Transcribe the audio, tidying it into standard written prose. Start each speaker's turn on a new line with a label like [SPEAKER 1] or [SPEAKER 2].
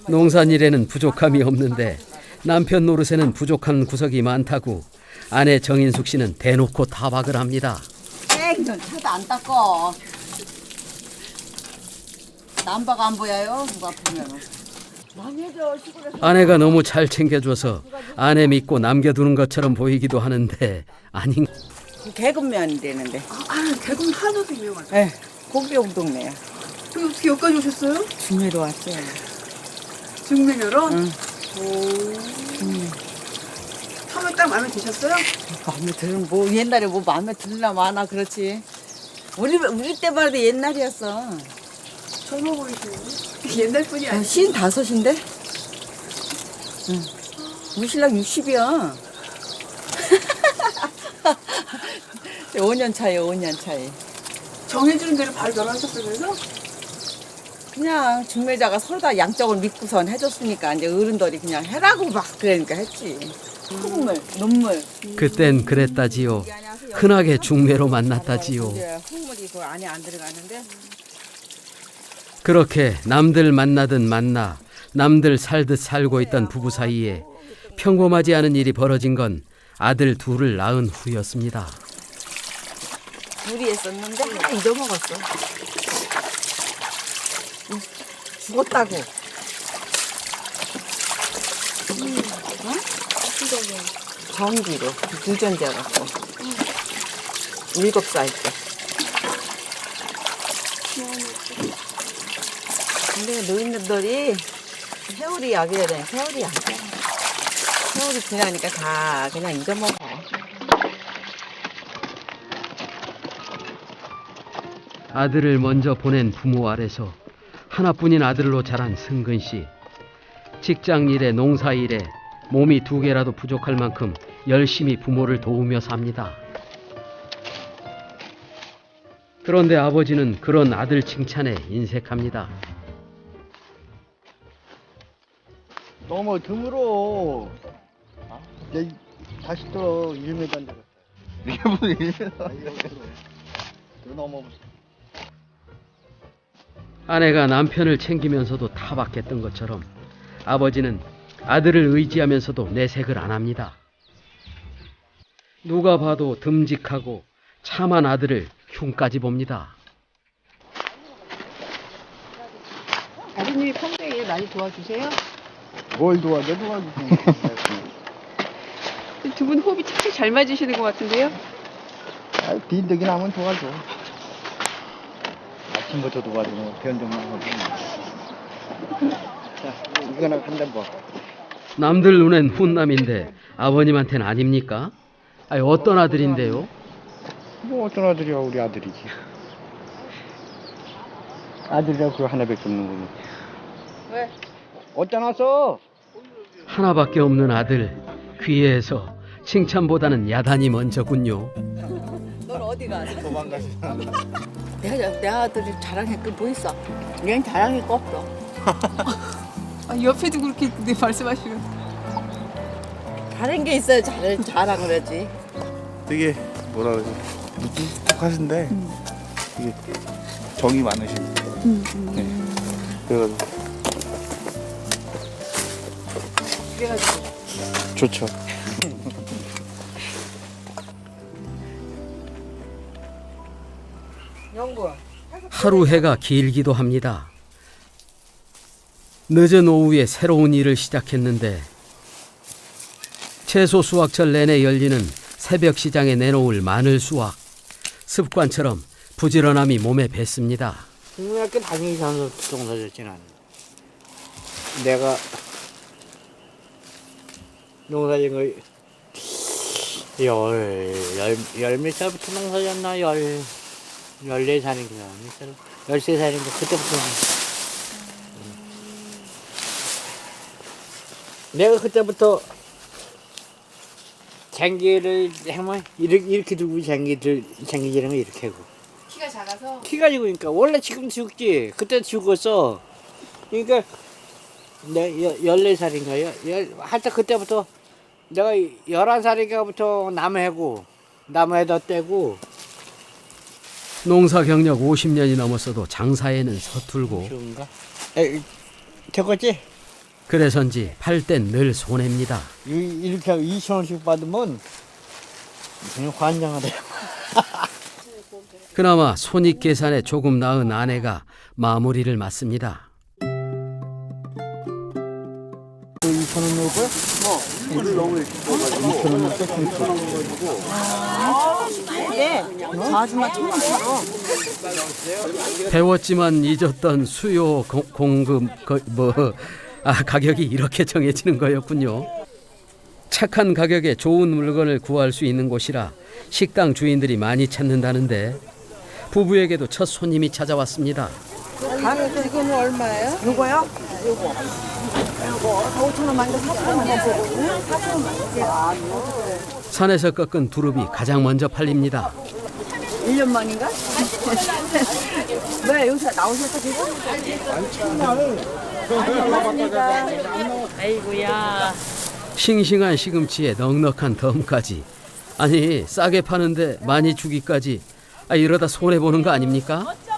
[SPEAKER 1] 농산일에는 부족함이 없는데 남편 노릇에는 부족한 구석이 많다고 아내 정인숙 씨는 대놓고 타박을 합니다.
[SPEAKER 2] 너 차도 안 닦어. 남바가 안 보여요? 누가 보면. 많이 해줘 시골에서.
[SPEAKER 1] 아내가 너무 잘 챙겨줘서 아내 믿고 남겨두는 것처럼 보이기도 하는데 아닌.
[SPEAKER 2] 개근면 되는데.
[SPEAKER 3] 개공 한우도 유명하죠.
[SPEAKER 2] 예, 고기용 동네야.
[SPEAKER 3] 그럼 어떻게 여기까지 오셨어요?
[SPEAKER 2] 중매로 왔어요.
[SPEAKER 3] 중매녀로?
[SPEAKER 2] 응.
[SPEAKER 3] 오. 하면 딱 마음에 드셨어요?
[SPEAKER 2] 마음에 드는 뭐 옛날에 뭐 마음에 들나 마나 그렇지. 우리 때만 해도 옛날이었어.
[SPEAKER 3] 젊어 보이시네요. 옛날 분이 아니에요.
[SPEAKER 2] 55인데? 응. 우리 신랑 60이야. 5년 차이요, 5년 차이.
[SPEAKER 3] 정해주는 대로 바로 결혼하셨어요, 그래서?
[SPEAKER 2] 그냥 중매자가 서로 다 양쪽을 믿고선 해줬으니까 이제 어른들이 그냥 해라고 막 그러니까 했지. 흙물, 눈물.
[SPEAKER 1] 그땐 그랬다지요. 흔하게 중매로 만났다지요.
[SPEAKER 2] 흙물이 그 안에 안 들어가는데.
[SPEAKER 1] 그렇게 남들 만나듯 만나 남들 살듯 살고 있던 부부 사이에 평범하지 않은 일이 벌어진 건 아들 둘을 낳은 후였습니다.
[SPEAKER 2] 둘이 했었는데 하나 잊어먹었어. 죽었다고. 전기로 유전자 갖고 7살 때. 근데 노인들이 세월이 약이야 돼. 세월이 약이야. 세월이 지나니까 다 그냥 잊어먹어.
[SPEAKER 1] 아들을 먼저 보낸 부모 아래서 하나뿐인 아들로 자란 승근 씨. 직장 일에 농사 일에 몸이 2개라도 부족할 만큼 열심히 부모를 도우며 삽니다. 그런데 아버지는 그런 아들 칭찬에 인색합니다.
[SPEAKER 4] 너무 드물어. 내 다시 또 1m인데. 이게 무슨 1m? 또 넘어보세요.
[SPEAKER 1] 아내가 남편을 챙기면서도 타박했던 것처럼 아버지는 아들을 의지하면서도 내색을 안 합니다. 누가 봐도 듬직하고 참한 아들을 흉까지 봅니다.
[SPEAKER 3] 아드님이 평소에 일 많이 도와주세요?
[SPEAKER 4] 뭘 도와줘, 도와주세요.
[SPEAKER 3] 두 분 호흡이 참 잘 맞으시는 것 같은데요?
[SPEAKER 4] 빈득이 나면 도와줘. 아침부터 도와주고, 변정만 하고. 자, 이거나 한대 뭐.
[SPEAKER 1] 남들 눈엔 훈남인데 아버님한테는 아닙니까? 아니, 어떤 아들인데요?
[SPEAKER 4] 뭐 어떤 아들이야, 우리 아들이지. 아들이라고 그거 하나밖에 없는 거니.
[SPEAKER 2] 왜?
[SPEAKER 4] 어디다 놨어?
[SPEAKER 1] 하나밖에 없는 아들, 귀해서 칭찬보다는 야단이 먼저군요.
[SPEAKER 2] 넌 어디 가?
[SPEAKER 4] 도망가시.
[SPEAKER 2] 내 아들이 자랑할 게 뭐 있어? 얘는 자랑할 거 없어.
[SPEAKER 3] 옆에도 그렇게 말씀하시면.
[SPEAKER 2] 다른 게 있어야 자랑을 하지.
[SPEAKER 5] 되게 뭐라 그러지 묵직하신데 되게 정이 많으십니다. 네. 그래가지고
[SPEAKER 3] 그래가지고.
[SPEAKER 5] 좋죠.
[SPEAKER 2] 영구.
[SPEAKER 1] 하루 해가 길기도 합니다. 늦은 오후에 새로운 일을 시작했는데 채소 수확철 내내 열리는 새벽 시장에 내놓을 마늘 수확. 습관처럼 부지런함이 몸에 뱄습니다.
[SPEAKER 6] 중학교 다니면서 농사졌진 않아. 내가 농사진 거 열몇 살부터 농사졌나? 14살인가? 13살인가? 그때부터. 내가 그때부터 쟁기를 하면 이렇게 들고 쟁기질하면 이렇게 하고.
[SPEAKER 3] 키가 작아서?
[SPEAKER 6] 키가 작으니까 원래 지금 죽지. 그때 죽었어. 그러니까 내가 14살인가요? 하여튼 그때부터 내가 11살인가부터 나무해다 떼고.
[SPEAKER 1] 농사 경력 50년이 넘었어도 장사에는 서툴고
[SPEAKER 6] 좋은가? 됐겠지?
[SPEAKER 1] 그래서인지 팔 땐 늘 손해입니다.
[SPEAKER 6] 이렇게 2,000원씩 받으면 그냥 환장하대요.
[SPEAKER 1] 그나마 손익 계산에 조금 나은 아내가 마무리를 맡습니다.
[SPEAKER 6] 2,000원 넣을 거야? 물을 너무 2,000원 넣을 거야?
[SPEAKER 2] 네. 저 아줌마 1,000원 팔어.
[SPEAKER 1] 배웠지만 잊었던 수요 공급 가격이 이렇게 정해지는 거였군요. 착한 가격에 좋은 물건을 구할 수 있는 곳이라 식당 주인들이 많이 찾는다는데 부부에게도 첫 손님이 찾아왔습니다.
[SPEAKER 2] 가격은 이거는 얼마예요? 요거요? 요거 5,000원만 이거 4,000원만 보거든요. 4,000원만.
[SPEAKER 1] 산에서 꺾은 두릅이 가장 먼저 팔립니다.
[SPEAKER 2] 1년 만인가? 왜 여기서 나오셨어 지금? 고맙습니다. 아이고야.
[SPEAKER 1] 싱싱한 시금치에 넉넉한 덤까지. 아니 싸게 파는데 많이 주기까지. 이러다 손해보는 거 아닙니까?